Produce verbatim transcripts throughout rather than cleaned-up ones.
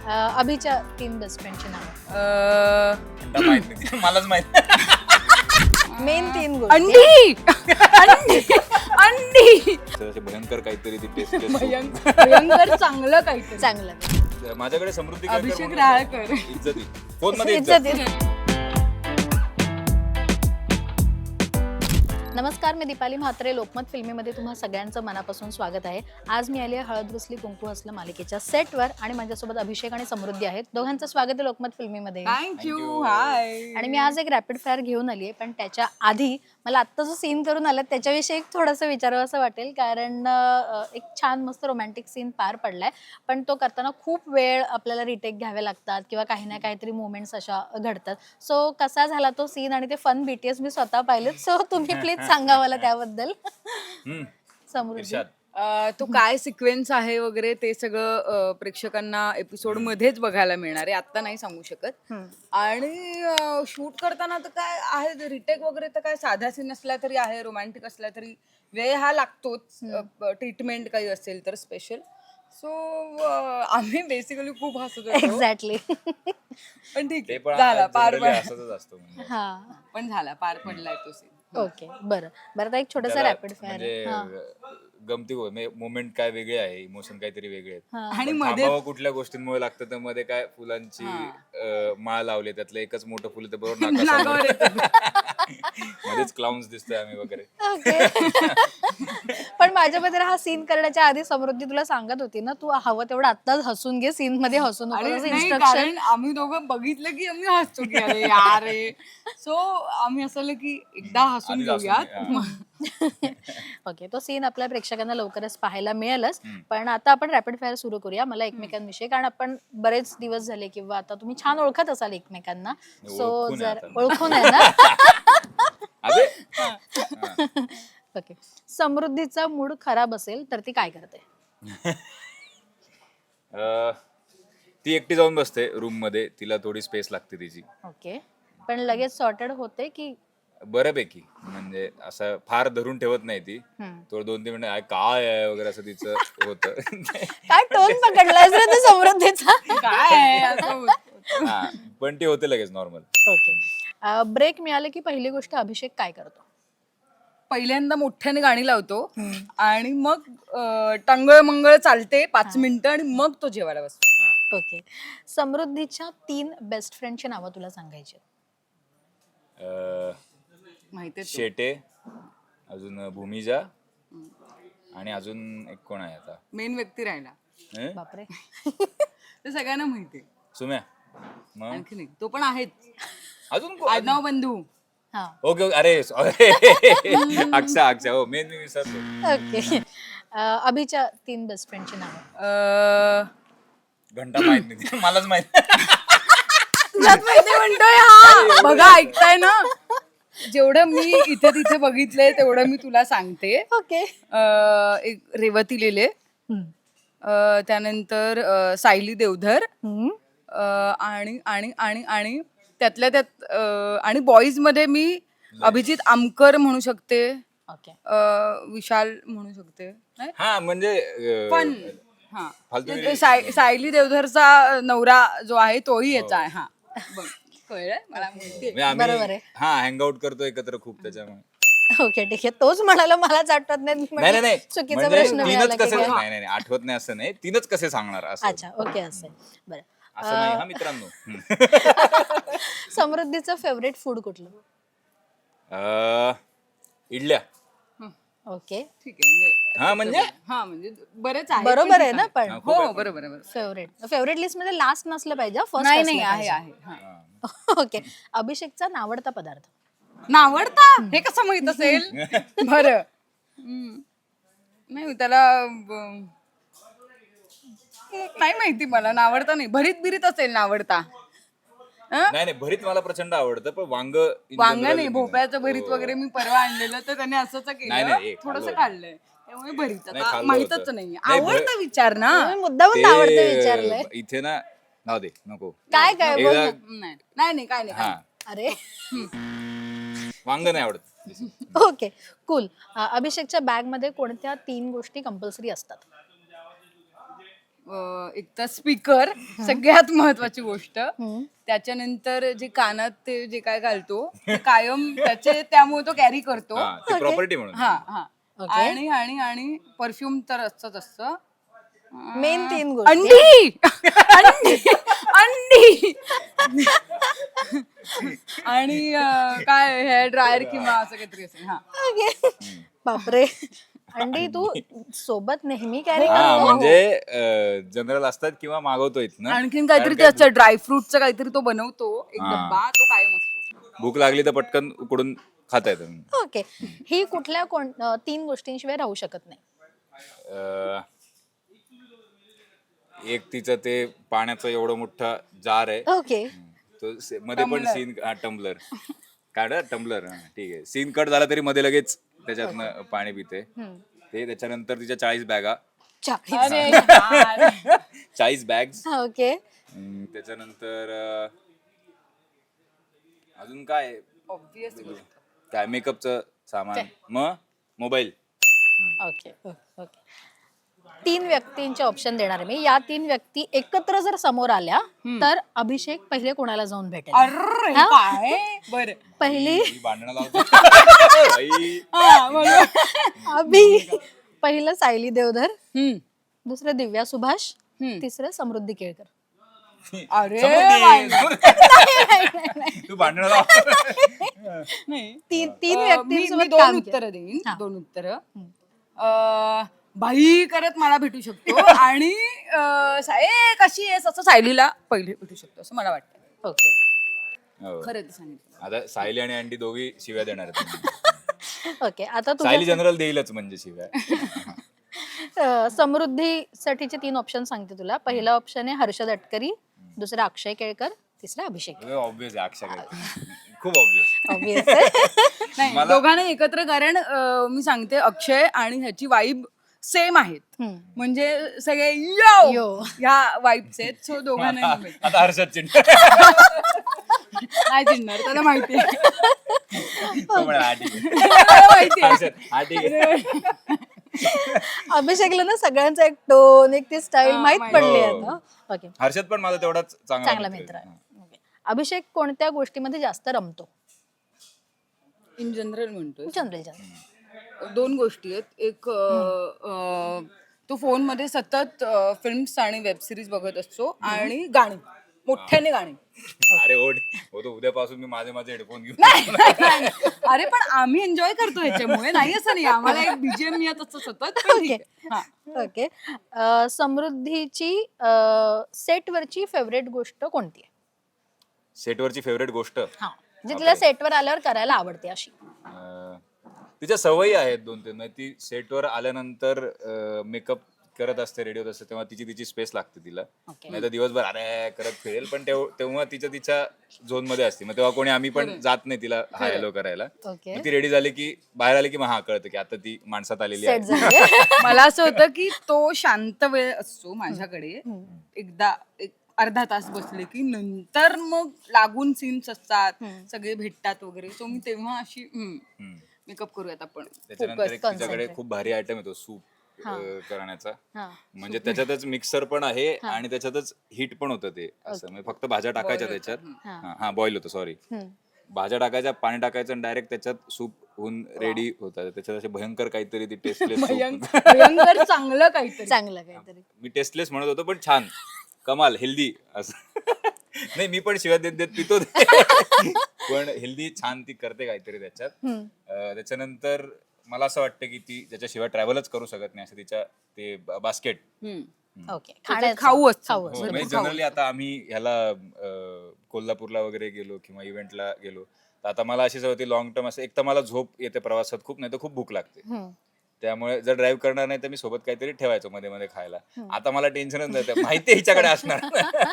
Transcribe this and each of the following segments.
अभिच्या तीन बेस्ट फ्रेंडची नाव. मला माहित नाही, मलाच माहित. मेन तीन गोष्टी. अंडी अंडी अंडी असे भयंकर काहीतरी ती टेस्ट भयंकर भयंकर चांगलं काहीतरी चांगलं. माझ्याकडे समृद्धी केळकर अभिषेक म्हणून राळकर. इज्जती फोन मध्ये इज्जत इज्जत. आहे. नमस्कार, मी दीपाली म्हात्रे. लोकमत फिल्मीमध्ये तुम्हा सगळ्यांचं मनापासून स्वागत आहे. आज मी आली आहे हळद रुसली कुंकू हसलं मालिकेच्या सेटवर आणि माझ्यासोबत अभिषेक आणि समृद्धी आहेत. दोघांचं स्वागत आहे लोकमत फिल्मीमध्ये. थँक्यू. हाय. आणि मी आज एक रॅपिड फायर घेऊन आली आहे, पण त्याच्या आधी मला आत्ता जो सीन करून आला त्याच्याविषयी एक थोडंसं विचारावं असं वाटेल, कारण एक छान मस्त रोमॅन्टिक सीन पार पडलाय, पण तो करताना खूप वेळ आपल्याला रिटेक घ्यावे लागतात किंवा काही ना काहीतरी मुवमेंट्स अशा घडतात. सो कसा झाला तो सीन आणि ते फन बीटीएस मी स्वतः पाहिलेत. सो तुम्ही प्लीज सांगा मला त्याबद्दल. समृद्धी, तो काय सिक्वेन्स आहे वगैरे ते सगळं प्रेक्षकांना एपिसोड मध्येच बघायला मिळणार आहे, आता नाही सांगू शकत. आणि शूट करताना तर काय आहे, रिटेक वगैरे तर काय साधा सीन असला तरी आहे, रोमॅन्टिक असला तरी वेळ हा लागतोच. ट्रीटमेंट काही असेल तर स्पेशल. सो आम्ही बेसिकली खूप हसत होतो. एक्झॅक्टली. पण ठीक आहे, झाला पार असतो. हा, पण झाला पार पडलाय तो सीन. ओके, बरं बरं. आता एक छोटासा रॅपिड फायर. गमती मोमेंट काय वेगळे आहे, इमोशन काहीतरी वेगळे आहेत. आणि मध्ये कुठल्या गोष्टींमुळे लागतं तर मध्ये काय फुलांची माळ लावली, त्यातलं एकच मोठं फुल तर बरोबर मध्येच क्लाउन्स दिसतोय आम्ही वगैरे. पण माझ्यामध्ये हा सीन करण्याच्या आधी समृद्धी तुला सांगत होती ना, तू हवं तेवढं आत्ताच हसून घे, सीन मध्ये हसून कारण आम्ही दोघं बघितलं की आम्ही हसतो की अरे यार रे. सो आम्ही असं की एकदा हसून घेऊयात. ओके, तो सीन आपल्या प्रेक्षकांना लवकरच पाहायला मिळेलच. पण आता आपण रॅपिड फायर सुरू करूया मला एकमेकांविषयी, कारण आपण बरेच दिवस झाले किंवा आता तुम्ही छान ओळखत असाल एकमेकांना. सो जर ओळखून आहे ना. ओके, समृद्धीचा मूड खराब असेल तर ती काय करते? ती एकटी जाऊन बसते रूम मध्ये, तिला थोडी स्पेस लागते तिची. ओके, पण लगेच सॉर्टेड होते की? बऱ्यापैकी, म्हणजे असं फार धरून ठेवत नाही ती. थोडं दोन तीन मिनिट काय आहे वगैरे असं तिचं होतं. काय टोन पकडलाय रे तू समृद्धीचा? काय पण ती होते लगेच नॉर्मल. ओके, ब्रेक मिळाले की पहिली गोष्ट अभिषेक काय करतो? पहिल्यांदा मोठ्याने गाणी लावतो आणि मग टंगळ मंगळ चालते पाच मिनिटं आणि मग तो जेवायला बसतो. ओके, समृद्धीच्या तीन बेस्ट फ्रेंडची नावं तुला सांगायची? माहिती शेटे, अजून भूमिजा आणि अजून एक कोण आहे आता मेन व्यक्ती राहिला. बापरे. ते सगळ्यांना माहिती. सुम्या, आणखी नाही, तो पण आहेच. अजून आडनाव बंधू. Okay okay. अरे अक्षा अक्षा हो मेन मी विसरलो. ओके, अभिच्या तीन बेस्ट फ्रेंडची नावं? घंटा माहित नाही, मलाच माहित म्हणतोय हा. बघा, ऐकताय ना, जेवढं मी इथे तिथे बघितलंय तेवढं मी तुला सांगते. ओके, एक रेवती लेले, त्यानंतर सायली देवधर, आणि आणि आणि आणि त्यातल्या त्यात आणि बॉईज मध्ये मी अभिजित आमकर म्हणू शकते, विशाल म्हणू शकते. हा म्हणजे पण हा सायली देवधरचा नवरा जो आहे तोही याचा आहे. हा कळलं मला, बरोबर आहे. हा हँगआउट करतो एकत्र खूप, त्याच्यामुळे. ओके, ठीक आहे. तोच म्हणाला, मलाच आठवत नाही. नाही नाही, चुकीचा प्रश्न तीनच कसे, नाही नाही आठवत नाही असं नाही, तीनच कसे सांगणार असं. अच्छा, ओके, असं बरं. असं नाही हा मित्रांनो. समृद्धीचं फेवरेट फूड कुठलं? इडल्या. ओके, ठीक आहे. हा म्हणजे हा म्हणजे बरेच आहे. बरोबर आहे ना? पण हो बरोबर आहे. फेवरेट फेवरेट लिस्ट मध्ये लास्ट नसलं पाहिजे, फर्स्ट नाही नाही आहे आहे. ओके, अभिषेकचा नावडता पदार्थ? नावडता हे कसं माहित असेल? बरं, नाही त्याला नाही माहिती, मला नावडता नाही. भरीत बिरीत असेल नावडता. नाही नाही, भरीत मला प्रचंड आवडतं, पण वांग वांग नाही, भोपळ्याचं भरीत वगैरे मी परवा आणलेलं, तर त्याने असंच केलं, थोडस काढलंय, त्यामुळे भरीत आता माहितच नाही. आवडतं विचार ना, मुद्दामून आवडतं विचारलंय इथे ना. नाव दे नको. काय काय नाही नाही काय नाही. अरे वांग नाही आवडत. Okay, cool. अभिषेकच्या बॅग मध्ये कोणत्या तीन गोष्टी कंपल्सरी असतात? अं, एक तर स्पीकर सगळ्यात महत्वाची गोष्ट. हम्म. त्याच्यानंतर जे कानात ते जे काय घालतो ते कायम त्याचे त्यामुळे तो कॅरी करतो. हा ते प्रॉपर्टी म्हणून. हा हा Okay. आणि आणि आणि परफ्यूम तर असतच असतं. मेन तीन गोष्टी अंडी अंडी अंडी आणि अं, काय हेअर ड्रायर किंवा असं काहीतरी असेल. हा Okay. बापरे अंडी तू सोबत नेहमी कॅरी हा करतो म्हणजे जनरल असतात किंवा मागवतो इथनं. आणखीन काहीतरी कारण त्याचं ड्रायफ्रुटचं काहीतरी तो बनवतो एक हा. डब्बा तो कायम असतो. भूक लागली तर पटकन उकडून खाता येतं. ओके ही कुठल्या कोण अं, तीन गोष्टींशिवाय राहू शकत नाही अं, एक तिचं ते पाण्याचं एवढं मोठा जार आहे ओके तो से- मध्ये पण सीन टम्बलर काढ टम्बलर ठीक आहे सीन कट झाला तरी मध्ये लगेच त्याच्यातनं पाणी पिते ते. त्याच्यानंतर तिच्या चाळीस बॅगा चाळीस अरे यार. चाळीस बॅग्स. ओके त्याच्यानंतर अं, अजून काय Obvious गोष्ट. काय मेकअपचं सामान मग मोबाईल. ओके ओके तीन व्यक्तींचे ऑप्शन देणार आहे मी. या तीन व्यक्ती एकत्र जर समोर आल्या तर अभिषेक पहिले कोणाला जाऊन भेटेल अरे काय बरं पहिली भांडणं लावतो बाई. हा, बरोबर. अभि पहिलं सायली देवधर, हम्म, दुसरं दिव्या सुभाष, हम्म. तिसरं समृद्धी केळकर. अरे समृद्धी. तू भांडणं लाव. नाही तीन तीन अं, मी- मी व्यक्तींसोबत दोन काम उत्तर केलं. देईन हा. दोन उत्तर बाई करत मला भेटू शकतो आणि अं, सा- ए कशी आहेस असं सायलीला पहिले भेटू शकतो असं मला वाटतं. ओके हो. खरं ते सांगितलं. आता सायली आणि अँडी दोघी शिव्या देणार आहेत. ओके आता सायली तुझ्या जनरल देईलच म्हणजे शिव्या. अं, समृद्धीसाठीचे तीन ऑप्शन सांगते तुला. पहिला ऑप्शन आहे हर्षद अटकरी, दुसरा अक्षय केळकर, तिसरा अभिषेक. ऑब्विस आहे अक्षय काय खूप ऑब्विस. Obvious आहे. नाही दोघांना एकत्र कारण अं, मी सांगते अक्षय आणि ह्याची वाईब सेम आहेत हम्म. म्हणजे सगळे यो यो. ह्या वाईब्स आहेत सो दोघांना मी आता हर्षद चिंट नाही चिडणार त्याला माहिती आहे. तो म्हणा, हा ठीक आहे. त्याला माहिती आहे. हर्षद हा ठीक आहे. अभिषेकला ना सगळ्यांचा एक टोन एक ती स्टाईल हा, माहित माहिती. पडली हो. आता. ओके हर्षद पण माझा तेवढाच चांगला चांगला मित्र आहे. ओके. अभिषेक कोणत्या गोष्टीमध्ये जास्त रमतो? इन जनरल म्हणतोय जनरल जनरल दोन गोष्टी आहेत. एक अं, अं, तो फोन मध्ये सतत फिल्म्स आणि वेब सिरीज बघत असतो आणि गाणी मोठ्याने गाणी. अरे ओढ हो तो उद्यापासून मी माझे माझे हेडफोन घेऊन नाही, नाही, नाही. अरे पण आम्ही एन्जॉय करतो ह्याच्यामुळे नाही असं नाही आम्हाला एक बीजीएम येत असतं सतत पण ठीक आहे. हा. ओके अं, समृद्धीची सेटवरची फेवरेट गोष्ट कोणती आहे? सेटवरची फेवरेट गोष्ट हा म्हणजे तिला सेटवर आल्यावर करायला आवडते अशी. अं, तिच्या सवयी आहेत दोन तीन म्हणजे ती सेटवर आल्यानंतर मेकअप करत असते रेडी होत असते तेव्हा तिची तिची स्पेस लागते तिला. ओके नाही तर दिवसभर अरे करत फिरेल पण तेव- तेव्हा तिच्या तिच्या झोन मध्ये असते मग तेव्हा कोणी आम्ही पण जात नाही तिला हाय हॅलो करायला. ओके मग ती रेडी झाली की बाहेर आली की मग हा कळतं की आता ती माणसात आलेली सेट आहे. झाली. मला असं होतं की तो शांत वेळ असतो माझ्याकडे एकदा एक अर्धा तास बसले की नंतर मग लागून सीन्स असतात सगळे भेटतात वगैरे सो मी तेव्हा अशी हम्म. मेकअप करूयात आपण त्याच्यानंतर एक Focus, तिच्याकडे concentrate. खूप भारी आयटम येतो सूप करण्याचा हा म्हणजे त्याच्यातच मिक्सर पण आहे आणि त्याच्यातच हीट पण होतं ते असं म्हणजे फक्त भाज्या टाकायच्या त्याच्यात. हा हा बॉईल होतं सॉरी हम्म. भाज्या टाकायच्या पाणी टाकायचं आणि डायरेक्ट त्याच्यात सूप होऊन रेडी होतात. त्याच्यात असे भयंकर काहीतरी ती टेस्टलेस भयंकर भयंकर चांगलं काहीतरी. चांगलं काहीतरी. मी टेस्टलेस म्हणत होतो पण छान कमाल हेल्दी असं. नाही मी पण शिवाय देत देत पितो ते. पण हेल्दी छान ती करते काहीतरी त्याच्यात. हम्म. अं, त्याच्यानंतर मला असं वाटतं की ती ज्याच्याशिवाय ट्रॅव्हलच करू शकत नाही असं तिच्या ते बास्केट. हम्म. ओके खाण्याचं. खाऊ असतं. खाऊ हो, असतं. म्हणजे जनरली आता आम्ही ह्याला अं, कोल्हापूरला वगैरे गेलो किंवा इव्हेंटला गेलो तर आता मला अशी सवय होती लॉंग टर्म असं एक तर मला झोप येते प्रवासात खूप नाही तर खूप भूक लागते. हम्म. त्यामुळे जर ड्राईव्ह करणार नाही तर मी सोबत काहीतरी ठेवायचो मध्ये मध्ये खायला. आता मला टेन्शनच नाही माहिती आहे हिच्याकडे असणार.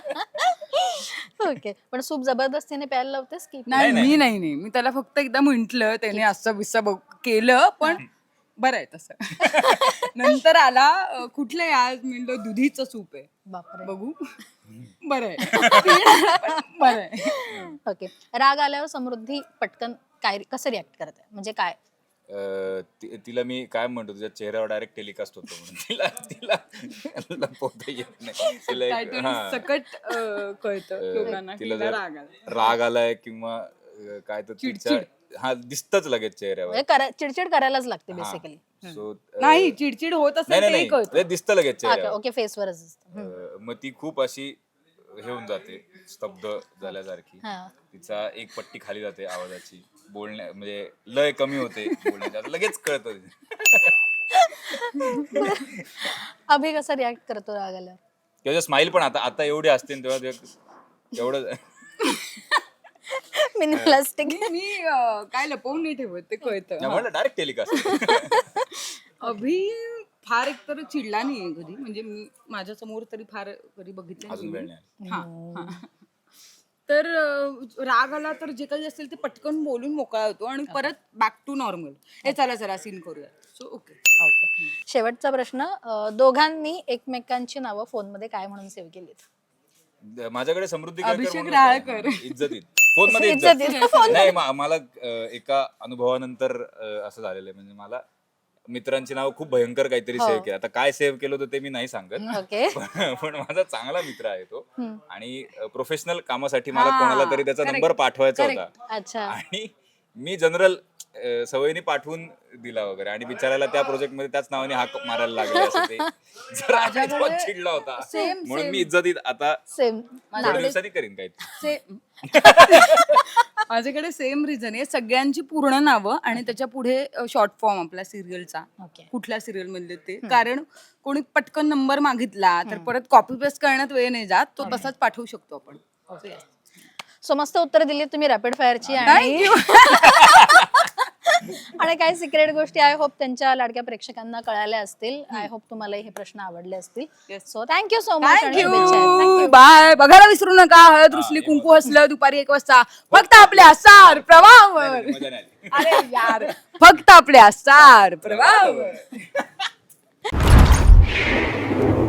ओके पण सूप जबरदस्तीने प्यायला लावतेस की? नाही मी नाही नाही मी त्याला फक्त एकदा म्हंटल त्याने असं बिस्सा बघ केलं पण बरं आहे तसं. नंतर आला अं, कुठलं आहे आज म्हणलं दुधीचं सूप आहे बापरे. बघू बरं आहे पण बरं आहे. ओके राग आल्यावर समृद्धी पटकन काय कसं रिॲक्ट करते म्हणजे काय? अं, ति- तिला मी काय म्हणतो तुझ्या चेहऱ्यावर डायरेक्ट टेलिकास्ट होतो म्हणून तिला तिला लपवता येत नाही तिला एक काहीतरी हा सकट अं, कळतं लोकांना की तिला हिला जर राग आला. राग आलाय किंवा अं, काय तर तिच्या हा दिसतच लगेच चेहऱ्यावर म्हणजे करा- चिडचिड करायलाच लागते बेसिकली. सो नाही चिडचिड होत नाही असेल नाही तेही कळतं. नाही दिसतं लगेच चेहऱ्यावर ओके फेसवरच असतं. अं, मग ती खूप अशी हे होऊन जाते स्तब्ध झाल्यासारखी हा. तिचा एक पट्टी खाली जाते आवाजाची बोलण्या म्हणजे लय कमी होते बोलण्याची आता लगेच कळतं अभि कसा रिॲक्ट करतो राग आल्यावर? किंवा स्माइल पण आता आता एवढी असते ना तेव्हा ते एवढं मिनिमलिस्टिक. मी अं, काय लपवून नाही ठेवत ते कळतं. म्हणलं डायरेक्ट टेलिकास्ट अभि फार एकतर चिडला नाहीये कधी म्हणजे मी माझ्या समोर तरी फार कधी बघितलं अजून वेळ नाही. नाही हा, हा. तर अं, राग आला तर जे काही असेल ते पटकन बोलून मोकळा होतो आणि परत बॅक टू नॉर्मल. हे चला चला सीन करूया. So okay. ओके. शेवटचा प्रश्न, अं, दोघांनी एकमेकांची नावं फोनमध्ये काय म्हणून सेव्ह केलीत? माझ्याकडे समृद्धी केळकर अभिषेक म्हणून राळकर. होतं. इज्जतीत फोन मध्ये इज्जतीत. इज्जत नाही मा- मला अं, एका अनुभवानंतर अं, असं झालेलं आहे म्हणजे मला मित्रांची नाव खूप भयंकर काहीतरी हो. सेव्ह केलं आता काय सेव्ह केलं होतं ते मी नाही सांगत ओके. पण पण माझा चांगला मित्र आहे तो हम्म. आणि प्रोफेशनल कामासाठी मला हा, कोणाला तरी त्याचा correct, नंबर पाठवायचा correct. होता अच्छा. आणि मी जनरल सवयीने पाठवून दिला वगैरे आणि बिचारायला त्या प्रोजेक्ट मध्ये त्याच नावाने हाक मारायला लागले असं ते जरा तो चिडला होता Same, म्हणून same. मी इज्जतीत आता सेम. थोड्या दिवसांनी करीन काही से- माझ्याकडे सेम रिझन आहे सगळ्यांची पूर्ण नावं आणि त्याच्या पुढे शॉर्ट फॉर्म आपला सिरियलचा ओके. कुठल्या सिरियल मधले ते कारण कोणी पटकन नंबर मागितला तर परत कॉपी पेस्ट करण्यात वेळ नाही जात तो तसाच पाठवू शकतो आपण. ओके. सो मस्त उत्तर दिली तुम्ही रॅपिड फायरची आणि आणि काही सिक्रेट गोष्टी आय होप त्यांच्या लाडक्या प्रेक्षकांना कळाल्या असतील. आय होप तुम्हाला हे प्रश्न आवडले असतील. Yes. So thank you so much. Thank you bye. बघायला विसरू नका हळद रुसली कुंकू हसलं दुपारी एक वाजता फक्त आपल्या सार प्रवाहावर. मजा नाही आली. अरे यार फक्त आपल्या सार प्रवाहावर.